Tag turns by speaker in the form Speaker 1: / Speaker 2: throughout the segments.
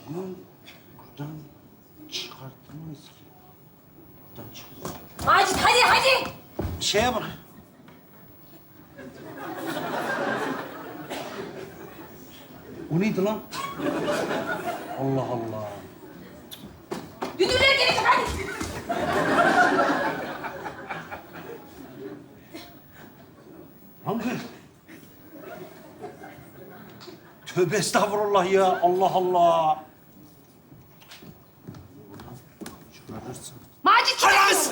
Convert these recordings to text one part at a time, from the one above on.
Speaker 1: Bunu buradan çıkartamayız ki. Buradan çıkarız.
Speaker 2: Macit hadi hadi.
Speaker 1: Şeye bak. O neydi lan? Allah Allah.
Speaker 2: Dünürler gelecek hadi.
Speaker 1: Hangi? Tövbe estağfurullah ya. Allah Allah. Buradan çıkarırsın.
Speaker 2: Macit çıkar.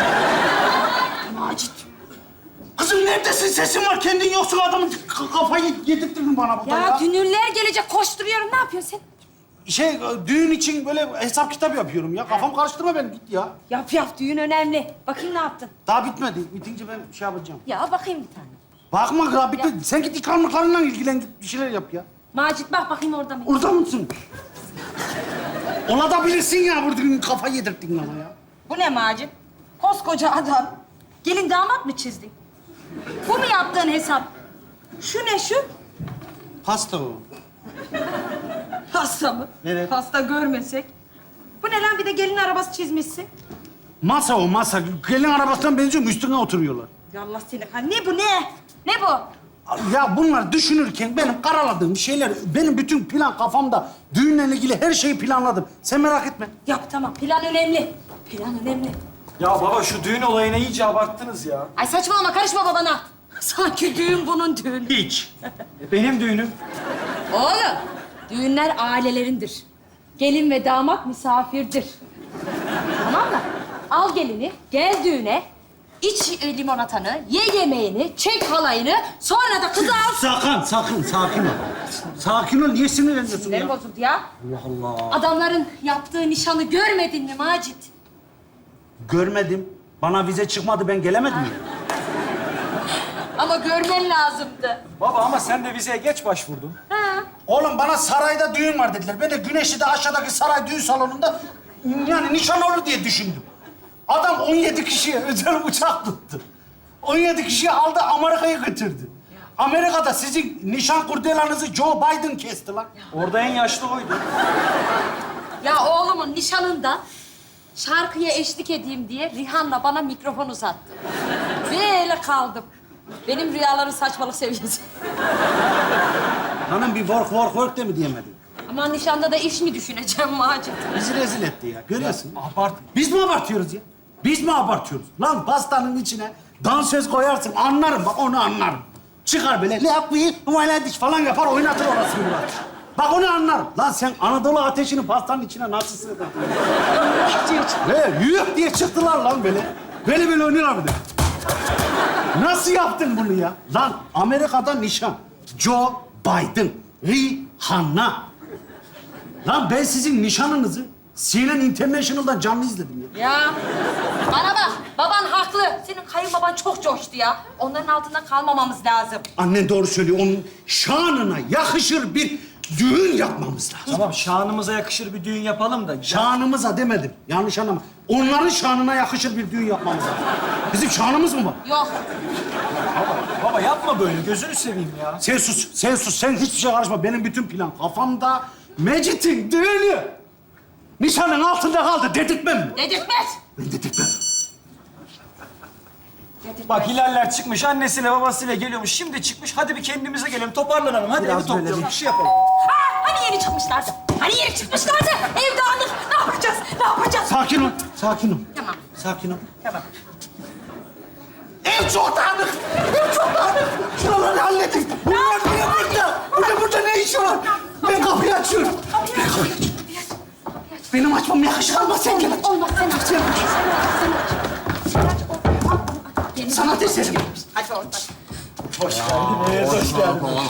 Speaker 1: Macit. Kızım neredesin? Sesin var. Kendin yoksun adamın kafayı yedirttirdin bana burada ya.
Speaker 2: Ya dünürler gelecek koşturuyorum. Ne yapıyorsun sen?
Speaker 1: Düğün için böyle hesap kitap yapıyorum ya. Kafam karıştırma beni git ya.
Speaker 2: Yap yap düğün önemli. Bakayım ne yaptın?
Speaker 1: Daha bitmedi. Bitince ben şey yapacağım.
Speaker 2: Ya bakayım bir tane.
Speaker 1: Bakma ya bitti. Sen git ikramlıklarınla ilgilen git bir şeyler yap ya.
Speaker 2: Macit bak bakayım orada mı?
Speaker 1: Orada mısın? Ola da bilirsin ya burada kafayı yedirttin ama ya.
Speaker 2: Bu ne Macit? Koskoca adam. Gelin damat mı çizdin? Bu mu yaptığın hesap? Şu ne şu?
Speaker 1: Pasta o.
Speaker 2: Pasta mı?
Speaker 1: Evet.
Speaker 2: Pasta görmesek. Bu ne lan bir de gelin arabası çizmişsin.
Speaker 1: Masa o masa. Gelin arabasından benziyor mu? Üstüne oturuyorlar.
Speaker 2: Ya Allah seni. Ha, ne bu ne? Ne bu?
Speaker 1: Ya bunlar düşünürken benim karaladığım şeyler, benim bütün plan kafamda. Düğünle ilgili her şeyi planladım. Sen merak etme.
Speaker 2: Yap tamam. Plan önemli. Plan önemli.
Speaker 3: Ya baba şu düğün olayına iyice abarttınız ya.
Speaker 2: Ay saçmalama karışma babana. Sanki düğün bunun düğünü.
Speaker 1: Hiç.
Speaker 3: Benim düğünüm.
Speaker 2: Oğlum, düğünler ailelerindir. Gelin ve damat misafirdir. Tamam mı? Al gelini, gel düğüne, iç limonatanı, ye yemeğini, çek halayını, sonra da kızı al.
Speaker 1: Sakın, sakin ol. Sakin ol, niye sinirleniyorsun
Speaker 2: Sinirlerim
Speaker 1: ya?
Speaker 2: bozuldu ya.
Speaker 1: Allah Allah.
Speaker 2: Adamların yaptığı nişanı görmedin mi Macit?
Speaker 1: Görmedim. Bana vize çıkmadı, ben gelemedim ya.
Speaker 2: Ama görmen lazımdı.
Speaker 3: Baba ama sen de vizeye geç başvurdun.
Speaker 2: Ha.
Speaker 1: Oğlum bana sarayda düğün var dediler. Ben de Güneşli'de aşağıdaki saray düğün salonunda yani nişan olur diye düşündüm. Adam 17 kişiye özel uçak tuttu. 17 kişiyi aldı Amerika'ya götürdü. Amerika'da sizin nişan kurdelanızı Joe Biden kesti lan.
Speaker 3: Orada en yaşlı oydu.
Speaker 2: Ya oğlumun nişanında şarkıya eşlik edeyim diye Rihanna bana mikrofon uzattı. Böyle kaldım. Benim rüyaların saçmalık seviyesi.
Speaker 1: Hanım bir work de mi diyemedin?
Speaker 2: Ama nişanda da iş mi düşüneceğim Macit?
Speaker 1: Bizi rezil etti ya. Görüyorsun.
Speaker 3: Abart.
Speaker 1: Biz mi abartıyoruz ya? Biz mi abartıyoruz? Lan pastanın içine dansöz koyarsın. Anlarım bak onu anlarım. Çıkar böyle lapıyı diş falan yapar oynatır orasını Murat. Bak onu anlarım. Lan sen Anadolu ateşini pastanın içine nasıl sığdırdın? Ve yük diye çıktılar lan böyle. Böyle oynuyorlar bir de. Nasıl yaptın bunu ya? Lan Amerika'da nişan. Joe Biden, Rihanna. Lan ben sizin nişanınızı CNN International'dan canlı izledim ya.
Speaker 2: Ya bana bak, baban haklı. Senin kayınbaban çok coştu ya. Onların altında kalmamamız lazım.
Speaker 1: Annen doğru söylüyor. Onun şanına yakışır bir düğün yapmamız lazım.
Speaker 3: Tamam şanımıza yakışır bir düğün yapalım da.
Speaker 1: Şanımıza demedim. Yanlış anlama. Onların şanına yakışır bir düğün yapmamız lazım. Bizim şanımız mı var?
Speaker 2: Yok.
Speaker 3: Baba yapma böyle gözünü seveyim ya.
Speaker 1: Sen sus, sen sus. Sen hiçbir şey karışma. Benim bütün plan kafamda. Mecit'in düğünü. Nişanın altında kaldı. Dedirtmem mi?
Speaker 2: Dedirtmez.
Speaker 1: Ben dedirtmem.
Speaker 3: Bak Hilaller çıkmış annesiyle babasıyla geliyormuş. Şimdi çıkmış hadi bir kendimize gelelim toparlanalım. Hadi
Speaker 1: Biraz
Speaker 3: evi toplayalım
Speaker 1: böyle
Speaker 3: bir şey yapalım.
Speaker 2: Ha, hani yeni çıkmışlardı? Hani yeni çıkmışlardı? Ev dağınık. Ne yapacağız? Ne yapacağız?
Speaker 1: Sakin ol, sakin ol.
Speaker 2: Tamam.
Speaker 1: Sakin ol.
Speaker 2: Tamam.
Speaker 1: Ev çok dağınık. Ev çok dağınık. Şuraları halledin. Bunlar niye burada? Burada ne işi var? Ben kapıyı açıyorum. Ben kapıyı açıyorum. Benim açmam yakışır ama sen gel aç.
Speaker 2: Olmaz sen aç.
Speaker 1: Sen aç.
Speaker 2: Sen aç. Sen aç. Al, al, al. Yeni
Speaker 1: Sanat eseri.
Speaker 2: Hadi oradan.
Speaker 3: Hoş geldiniz, hoş geldiniz.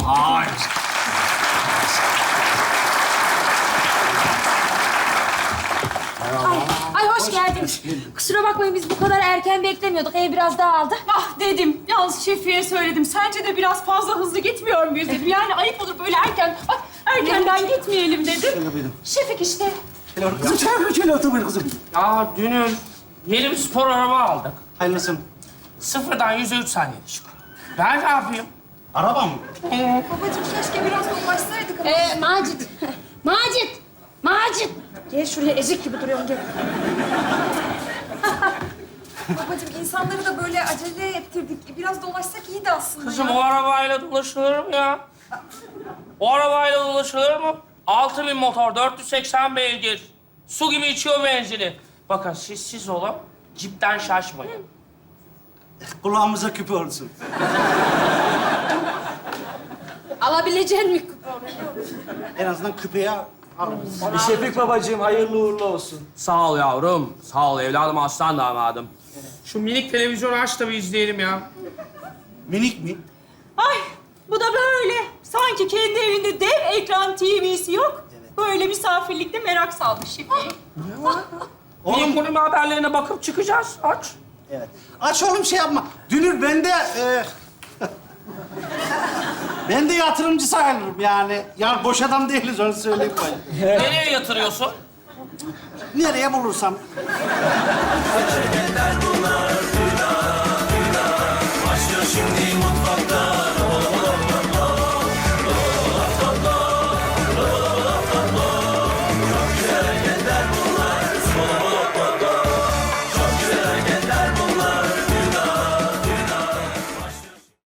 Speaker 2: Ay hoş geldiniz. Kusura bakmayın biz bu kadar erken beklemiyorduk. Ev biraz dağıldı.
Speaker 4: Ah dedim, yalnız Şefi'ye söyledim. Sence de biraz fazla hızlı gitmiyor muyuz dedim. Yani ayıp olur böyle erken. Bak erkenden gitmeyelim dedim.
Speaker 1: buyurun.
Speaker 4: Şefik işte.
Speaker 1: Kızım şöyle otur buyur kızım.
Speaker 5: Ya dünür yeni bir spor araba aldık.
Speaker 1: Hayırlısı.
Speaker 5: Sıfırdan 100'e 3 saniyede çıkıyor. Ben ne yapayım?
Speaker 1: Araba mı?
Speaker 4: Babacığım keşke biraz ulaşsaydık ama.
Speaker 2: Macit. Macit. Acil. Gel şuraya ezik gibi duruyorsun gel.
Speaker 6: Babacığım insanları da böyle acele ettirdik. Biraz dolaşsak iyiydi aslında.
Speaker 5: Kızım
Speaker 6: ya.
Speaker 5: o arabayla dolaşılır mı ya? O arabayla dolaşılır mı? 6000 motor, 480 beygir. Su gibi içiyor benzini. Bakın siz olun, cipten şaşmayın.
Speaker 1: Kulağımıza küpe olsun.
Speaker 2: Alabilecek mi kuponu?
Speaker 1: En azından küpeye alırız.
Speaker 3: Şefik babacığım hayırlı uğurlu olsun.
Speaker 5: Sağ ol yavrum, sağ ol evladım, aslan damadım. Şu minik televizyonu aç da bir izleyelim ya.
Speaker 1: Minik mi?
Speaker 4: Ay bu da böyle. Sanki kendi evinde dev ekran TV'si yok. Böyle misafirlikte merak salmış Şefiye.
Speaker 5: Minik bunun haberlerine bakıp çıkacağız, aç.
Speaker 1: Evet. Aç oğlum şey yapma. Dünür ben de... ben de yatırımcı sayılırım yani. Yani boş adam değiliz onu söyleyeyim ben.
Speaker 5: Nereye yatırıyorsun?
Speaker 1: Nereye bulursam.